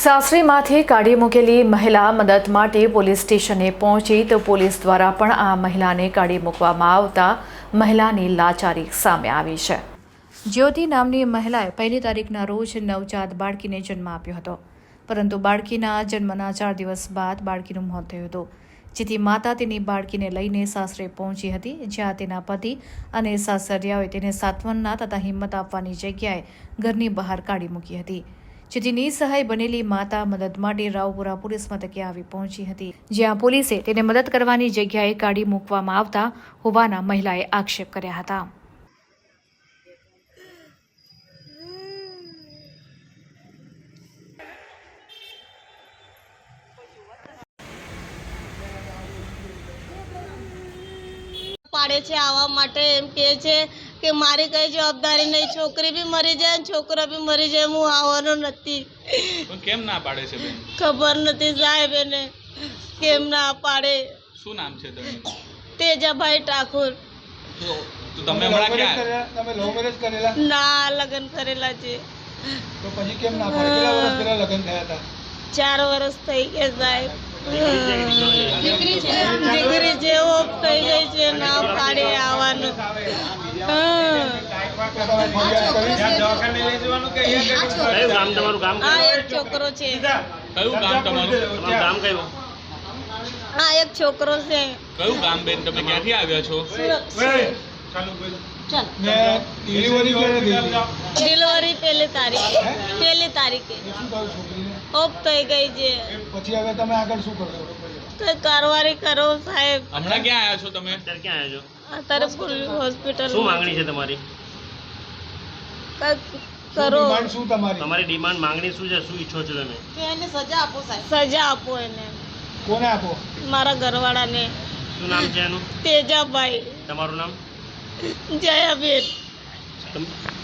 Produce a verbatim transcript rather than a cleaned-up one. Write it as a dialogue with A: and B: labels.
A: સાસરીમાંથી કાઢી મૂકેલી મહિલા મદદ માટે પોલીસ સ્ટેશને પહોંચી તો પોલીસ દ્વારા પણ આ મહિલાને કાઢી મૂકવામાં આવતા મહિલાની લાચારી સામે આવી છે। જ્યોતિ નામની મહિલાએ પહેલી તારીખના રોજ નવજાત બાળકીને જન્મ આપ્યો હતો, પરંતુ બાળકીના જન્મના ચાર દિવસ બાદ બાળકીનું મોત થયું હતું, જેથી માતા તેની બાળકીને લઈને સાસરે પહોંચી હતી, જ્યાં તેના પતિ અને સાસરિયાઓએ તેને સાંત્વનના તથા હિંમત આપવાની જગ્યાએ ઘરની બહાર કાઢી મૂકી હતી, જેથી નિસહાય બનેલી માતા મદદ માટે રાવપુરા પોલીસ મથકે આવી પહોંચી હતી, જ્યાં પોલીસે તેને મદદ કરવાની જગ્યાએ કાઢી મૂકવામાં આવતા હોવાના મહિલાએ આક્ષેપ કર્યા હતા।
B: પાડે છે આવા માટે એમ કહે છે કે મારી કઈ જવાબદારી નહીં, છોકરી બી મરી જાય ને છોકરો બી મરી જાય, હું આવવાનો નથી।
C: પણ કેમ ના પાડે છે બેન?
B: ખબર નથી સાહેબ, એને કેમ ના પાડે।
C: શું નામ છે તમારું?
B: તેજાભાઈ ઠાકોર।
C: તો તમે હમણાં ક્યાં?
D: તમે લવ મેરેજ કરેલા?
B: ના, લગ્ન કરેલા છે।
D: તો પછી કેમ ના પાડે? કેટલા વર્ષ પહેલા લગ્ન થયા હતા?
B: ચાર વર્ષ થઈ ગયા સાહેબ। દીકરી છે, દીકરી છે, ઓફ થઈ ગઈ છે, ના પાડે આવવાનું। આ એક છોકરો છે।
C: કયું ગામ તમારું?
E: ગામ કયું?
B: આ એક છોકરો છે।
C: કયું ગામ બેન? તમે ક્યાંથી આવ્યા છો?
D: ડિલિવરી ક્યારે થઈ?
B: ડિલિવરી પહેલી તારીખે પહેલી તારીખે
D: શું કહ્યું છોકરીને?
B: ઓફ થઈ ગઈ છે।
D: પછી હવે તમે આગળ શું કરશો?
B: કઈ કારવારી કરો સાહેબ।
C: હમણાં ક્યાં આવ્યા છો તમે?
E: અત્યારે ક્યાં આવ્યા છો?
B: અત્યારે પોલીસ હોસ્પિટલ
E: શું માંગણી છે તમારી?
B: કઈ
D: શું
B: કરો,
D: ડિમાન્ડ શું તમારી?
E: તમારી ડિમાન્ડ માંગણી શું છે? શું ઈચ્છો છો તમે?
B: એને સજા આપો સાહેબ। સજા આપો એને,
D: કોને આપો?
B: મારા ઘરવાળાને।
E: શું નામ છે એનું?
B: તેજાભાઈ।
E: તમારું નામ?
B: જયાબેન।
E: તમ-